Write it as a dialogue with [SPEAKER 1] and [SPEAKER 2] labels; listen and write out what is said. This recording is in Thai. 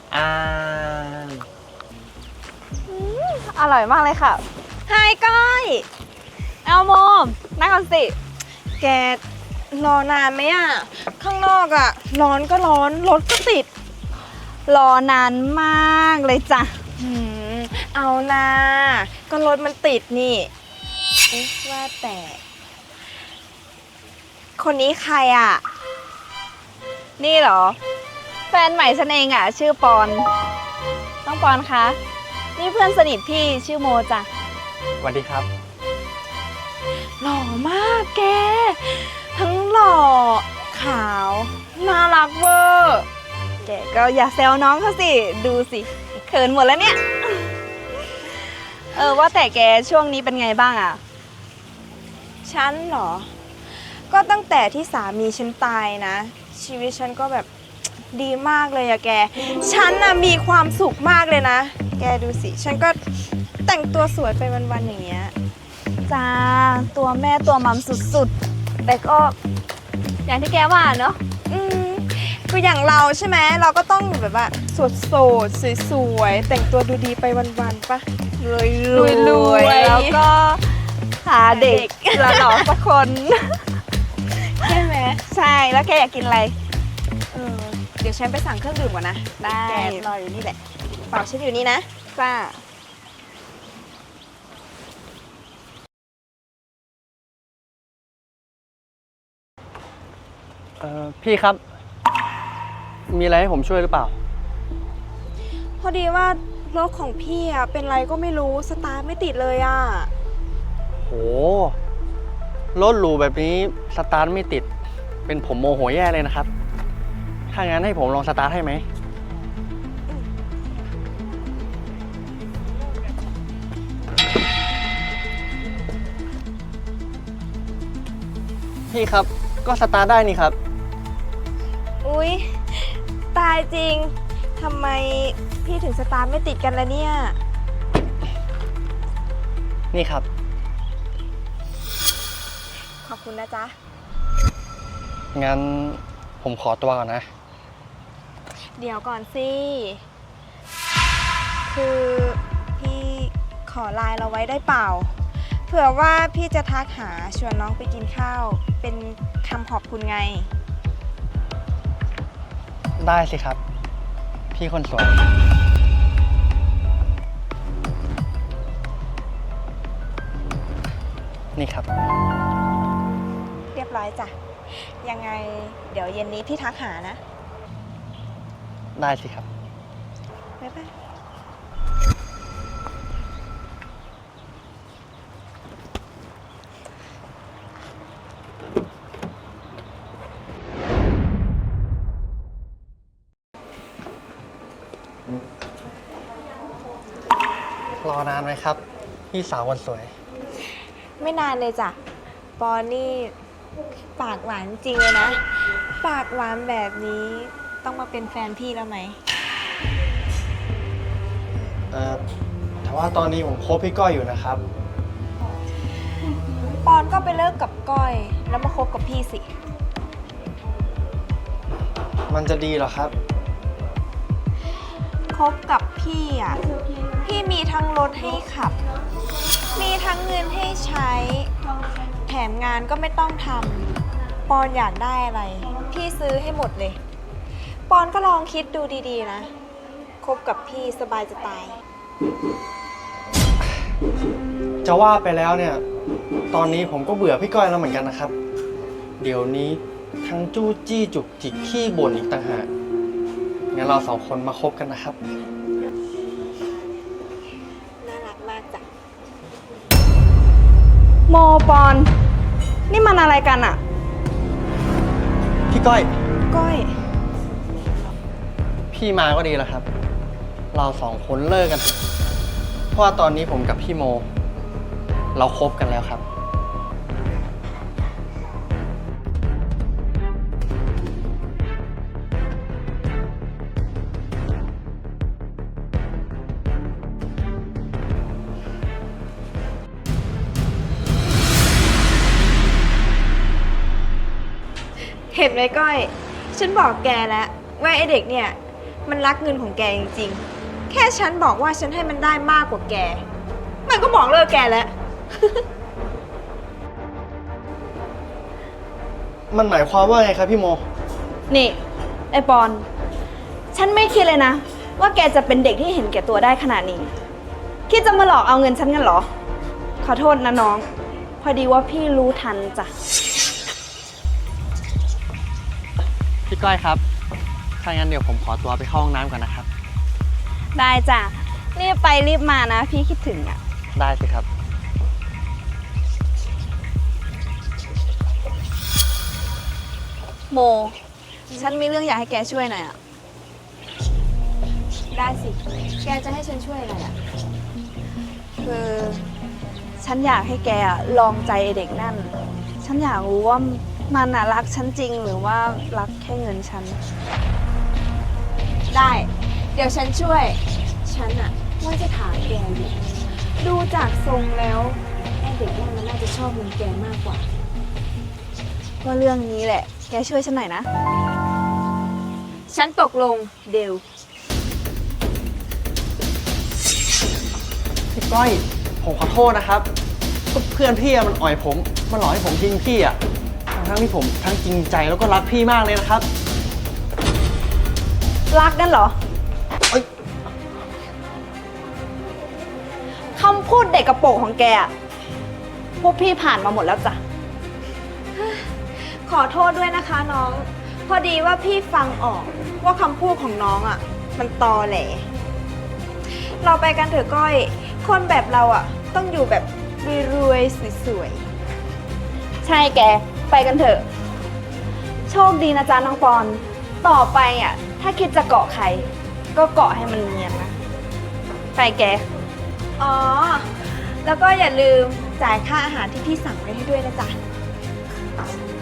[SPEAKER 1] อ่า
[SPEAKER 2] อร่อยมากเลยค่ะไฮก้อยเอาโมนั่งก่อนสิ
[SPEAKER 3] แกรอนานไหมอ่ะข้างนอกอ่ะร้อนก็ร้อนรถก็ติด
[SPEAKER 2] รอนานมากเลยจ้ะ
[SPEAKER 3] เอานะก็รถมันติดนี่เอ๊ะว่าแต่คนนี้ใครอ่ะ
[SPEAKER 2] นี่เหรอแฟนใหม่ฉันเองอ่ะชื่อปอนน้องปอนคะนี่เพื่อนสนิทพี่ชื่อโมจ้ะ
[SPEAKER 1] สวัสดีครับ
[SPEAKER 3] หล่อมากแกทั้งหล่อขาวน่ารักเวอร์
[SPEAKER 2] แกก็อย่าแซวน้องเขาสิดูสิเขินหมดแล้วเนี่ยว่าแต่แกช่วงนี้เป็นไงบ้างอ่ะ
[SPEAKER 3] ฉันเหรอก็ตั้งแต่ที่สามีฉันตายนะชีวิตฉันก็แบบดีมากเลยอะแกฉันน่ะมีความสุขมากเลยนะแกดูสิฉันก็แต่งตัวสวยไปวันๆอย่างเงี้ย
[SPEAKER 2] จ้าตัวแม่ตัวมัมสุดๆแต่ก็อย่างที่แกว่าเนาะ
[SPEAKER 3] ก็อย่างเราใช่ไหมเราก็ต้องแบบว่าโสดๆสวยๆแต่งตัวดูดีไปวันๆปะ
[SPEAKER 2] รวยแล้วก็หาเด็กหล่อๆสักคน
[SPEAKER 3] ใช่ไหม
[SPEAKER 2] ใช่แล้วแกอยากกินอะไร
[SPEAKER 3] เดี๋ยวฉันไปสั่งเครื่องดื่มก่อนนะ
[SPEAKER 2] ได้
[SPEAKER 3] แกรออยู่นี่แหละเปล่าฉันอยู่นี่นะ
[SPEAKER 2] จ้า
[SPEAKER 1] พี่ครับ มีอะไรให้ผมช่วยหรือเปล่า
[SPEAKER 3] พอดีว่ารถของพี่อะเป็นไรก็ไม่รู้สตาร์ทไม่ติดเลยอะ
[SPEAKER 1] โห รถหรูแบบนี้สตาร์ทไม่ติด เป็นผมโมโหแย่เลยนะครับ ถ้างั้นให้ผมลองสตาร์ทให้ไหม พี่ครับ ก็สตาร์ทได้นี่ครับ
[SPEAKER 3] อุ๊ยตายจริงทำไมพี่ถึงสตาร์ทไม่ติดกันล่ะเนี่ย
[SPEAKER 1] นี่ครับ
[SPEAKER 3] ขอบคุณนะจ๊ะ
[SPEAKER 1] งั้นผมขอตัวก่อนนะ
[SPEAKER 3] เดี๋ยวก่อนสิคือพี่ขอไลน์เราไว้ได้เปล่าเผื่อว่าพี่จะทักหาชวนน้องไปกินข้าวเป็นคำขอบคุณไง
[SPEAKER 1] ได้สิครับ พี่คนสวย นี่ครับ
[SPEAKER 3] เรียบร้อยจ้ะยังไงเดี๋ยวเย็นนี้พี่ทักหานะ
[SPEAKER 1] ได้สิครับ
[SPEAKER 3] บ๊ายบาย
[SPEAKER 1] รอนานไหมครับ พี่สาวคนสวย
[SPEAKER 3] ไม่นานเลยจ้ะปอนนี่ปากหวานจริงเลยนะปากหวานแบบนี้ต้องมาเป็นแฟนพี่แล้วไหม
[SPEAKER 1] แต่ว่าตอนนี้ผมคบพี่ก้อยอยู่นะครับ
[SPEAKER 3] ปอนก็ไปเลิกกับก้อยแล้วมาคบกับพี่สิ
[SPEAKER 1] มันจะดีเหรอครับ
[SPEAKER 3] คบกับพี่อ่ะพี่มีทั้งรถให้ขับมีทั้งเงินให้ใช้แถมงานก็ไม่ต้องทำปอนอยากได้อะไรพี่ซื้อให้หมดเลยปอนก็ลองคิดดูดีๆนะคบกับพี่สบายจะตาย
[SPEAKER 1] จะว่าไปแล้วเนี่ย ตอนนี้ผมก็เบื่อพี่ก้อยแล้วเหมือนกันนะครับ เดี๋ยวนี้ทั้งจู้จี้จุกจิกขี้บ่นอีกต่างหากงั้นเราสองคนมาคบกันนะครับ
[SPEAKER 3] น่ารักมากจ้ะ
[SPEAKER 2] โมปอนนี่มันอะไรกันอะ
[SPEAKER 1] พี่ก้อย
[SPEAKER 3] ก้อย
[SPEAKER 1] พี่มาก็ดีแล้วครับ เราสองคนเลิกกัน เพราะว่าตอนนี้ผมกับพี่โม เราคบกันแล้วครับ
[SPEAKER 3] เห็นไหมก้อยฉันบอกแกแล้วว่าไอเด็กเนี่ยมันรักเงินของแกจริงๆ แค่ฉันบอกว่าฉันให้มันได้มากกว่าแก มันก็บอกเลิกแกแล้ว
[SPEAKER 1] มันหมายความว่าไงครับพี่โม
[SPEAKER 2] นี่ไอปอน ฉันไม่คิดเลยนะ ว่าแกจะเป็นเด็กที่เห็นแก่ตัวได้ขนาดนี้ คิดจะมาหลอกเอาเงินฉันกันเหรอ ขอโทษนะน้อง พอดีว่าพี่รู้ทันจ้ะ
[SPEAKER 1] พี่ก้อยครับ ถ้างั้นเดี๋ยวผมขอตัวไปเข้าห้องน้ำก่อนนะครับ
[SPEAKER 2] ได้จ้ะ รีบไปรีบมานะ พี่คิดถึงอ่ะ
[SPEAKER 1] ได้สิครับ
[SPEAKER 2] โม ฉันมีเรื่องอยากให้แกช่วยหน่อยอ่ะ
[SPEAKER 3] ได้สิ แกจะให้ฉันช่วยอะไรอ่ะ
[SPEAKER 2] คือฉันอยากให้แกอะลองใจไอ้เด็กนั่น ฉันอยากรู้ว่ามันน่ะรักฉันจริงหรือว่ารักแค่เงินฉัน
[SPEAKER 3] ได้ เดี๋ยวฉันช่วย ฉันอะว่าจะถามแกอยู่ดูจากทรงแล้วไอ้เด็กนั่นมันน่าจะชอบเงินแกมากกว่า
[SPEAKER 2] ก็เรื่องนี้แหละ แกช่วยฉันหน่อยนะ
[SPEAKER 3] ฉันตกลงเดว
[SPEAKER 1] พี่ก้อย ผมขอโทษนะครับก็เพื่อนพี่อะมันอ่อยผม มันหลอกให้ผมทิ้งพี่อะทั้งที่ผมทั้งจริงใจแล้วก็รักพี่มากเลยนะครับ
[SPEAKER 2] รักกันเหรอ
[SPEAKER 1] เอ้ย
[SPEAKER 2] คำพูดเด็กกระโปรงของแกอะพวกพี่ผ่านมาหมดแล้วจ้ะ
[SPEAKER 3] ขอโทษด้วยนะคะน้อง พอดีว่าพี่ฟังออกว่าคำพูดของน้องอะมันตอแหล เราไปกันเถอะก้อย คนแบบเราอะต้องอยู่แบบรวยๆสวย
[SPEAKER 2] ใช่แก ไปกันเถอะ โชคดีนะจ๊ะน้องปอน ต่อไปอ่ะ ถ้าคิดจะเกาะใคร ก็เกาะให้มันเนียนนะ ไปแก
[SPEAKER 3] ๆอ๋อ แล้วก็อย่าลืมจ่ายค่าอาหารที่พี่สั่งไว้ให้ด้วยนะจ๊ะ